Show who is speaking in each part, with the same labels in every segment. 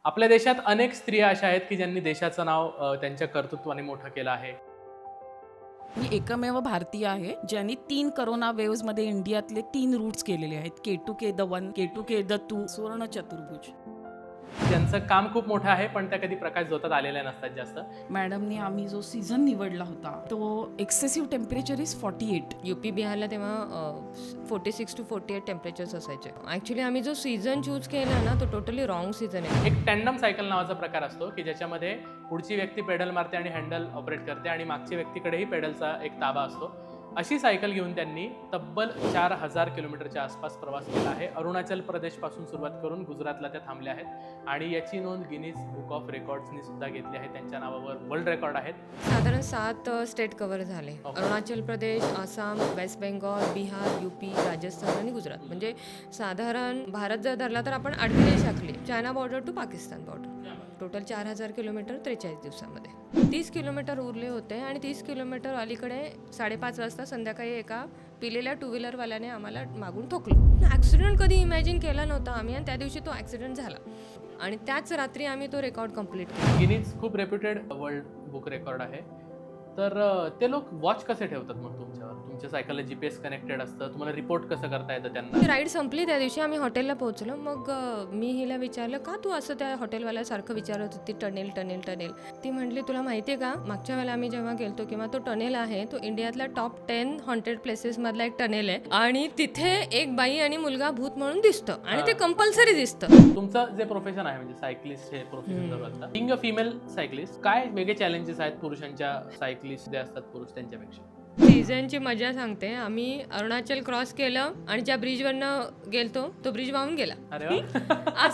Speaker 1: आपल्या देशात अनेक स्त्रिया अशा आहेत की ज्यांनी देशाचं नाव त्यांच्या कर्तृत्वाने मोठं केलं आहे.
Speaker 2: मी एकमेव भारतीय आहे ज्यांनी 3 करोना वेव्स मध्ये इंडियातले 3 रूट्स केलेले आहेत. K2K द 1, K2K द 2, सुवर्ण चतुर्भुज.
Speaker 1: ज्यांचं काम खूप मोठं आहे पण त्या कधी प्रकाश झोतात आलेल्या नसतात जास्त.
Speaker 2: मॅडमने आम्ही जो सीझन निवडला होता तो एक्सेसिव्ह टेम्परेचर इज 48.
Speaker 3: UP बिहारला तेव्हा 46 to 48 टेम्परेचर्स असायचे. ॲक्च्युली आम्ही जो सीझन चूज केला ना तो टोटली रॉंग सीझन आहे.
Speaker 1: एक टँडम सायकल नावाचा प्रकार असतो की ज्याच्यामध्ये पुढची व्यक्ती पेडल मारते आणि हँडल ऑपरेट करते आणि मागच्या व्यक्तीकडेही पेडलचा एक ताबा असतो. अशी सायकल घेऊन त्यांनी तब्बल 4000 किलोमीटरच्या आसपास प्रवास केला आहे. अरुणाचल प्रदेशपासून सुरुवात करून गुजरातला त्या थांबल्या आहेत आणि याची नोंद गिनीज बुक ऑफ रेकॉर्ड्सनी सुद्धा घेतली आहे. त्यांच्या नावावर वर्ल्ड रेकॉर्ड आहेत.
Speaker 3: साधारण 7 स्टेट कव्हर झाले. अरुणाचल प्रदेश, आसाम, वेस्ट बेंगॉल, बिहार, UP, राजस्थान आणि गुजरात. म्हणजे साधारण भारत जर धरला तर आपण 8 देश आखले. China border to Pakistan border. Total 4000 kilometre 43 दिवसामध्ये. 30 किलोमीटर उरले होते आणि 30 किलोमीटर अलीकडे 5:30 वाजता संध्याकाळी एका पिलेल्या 2 व्हीलरवाल्याने आम्हाला मागून ठोकलं. ॲक्सिडेंट कधी इमॅजिन केला नव्हता आम्ही आणि त्या दिवशी तो ॲक्सिडेंट झाला आणि त्याच रात्री आम्ही तो रेकॉर्ड कंप्लीट केला.
Speaker 1: गिनीज खूप रेप्युटेड वर्ल्ड बुक रेकॉर्ड आहे. तर ते लोक वॉच कसे ठेवतात मग तुमच्यावर? तुमच्या सायकलला GPS कनेक्टेड असतं, तुम्हाला रिपोर्ट कसं करता येतं त्यांना?
Speaker 3: राईड संपली त्या दिवशी आम्ही हॉटेलला पोहोचलो. मग मी हिला विचारलं का तू असं त्या हॉटेलवाल्यासारखं विचारत होती टनेल टनेल टनेल. ती म्हटली तुला माहिती आहे का मागच्या वेळेला आम्ही जेव्हा गेलतो किंवा तो टनेल आहे तो इंडियातला टॉप 10 हॉन्टेड प्लेसेस मधला एक टनेल आहे आणि तिथे एक बाई आणि मुलगा भूत म्हणून दिसतं आणि ते कंपल्सरी दिसतं.
Speaker 1: तुमचं जे प्रोफेशन आहे म्हणजे सायकलिस्ट हे प्रोफेशन जर असतं, बिंग अ फिमेल सायकलिस्ट काय वेगळे चॅलेंजेस आहेत पुरुषांच्या सायकलिस्ट जे असतात पुरुष त्यांच्यापेक्षा?
Speaker 3: सीझनची मजा सांगते. आम्ही अरुणाचल क्रॉस केलं आणि ज्या ब्रिजवरनं गेलतो तो ब्रिज वाहून गेला.
Speaker 1: अरे वा.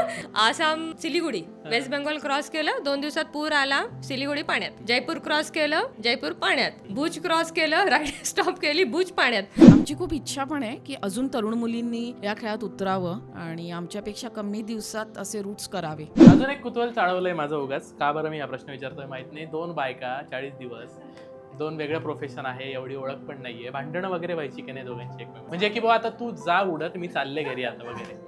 Speaker 3: आसाम सिलिगुडी, वेस्ट बेंगॉल क्रॉस केलं, 2 दिवसात पूर आला, सिलिगुडी पाण्यात. जयपूर क्रॉस केलं, जयपूर पाण्यात. भुज क्रॉस केलं, राईड स्टॉप केली, भुज पाण्यात.
Speaker 2: आमची खूप इच्छा पण आहे की अजून तरुण मुलींनी या खेळात उतरावं आणि आमच्यापेक्षा कमी दिवसात असे रूट्स करावे.
Speaker 1: अजून एक कुतूहल चाळवलंय माझं उगाच. का बरं मी हा प्रश्न विचारतोय माहित नाही. 2 बायका 40 दिवस, 2 वेगळं प्रोफेशन आहे, एवढी ओळख पण नाहीये, भांडणं वगैरे व्हायची की नाही दोघांची एकमेक? म्हणजे की बाबा आता तू जा उडत, मी चालले घरी आता वगैरे.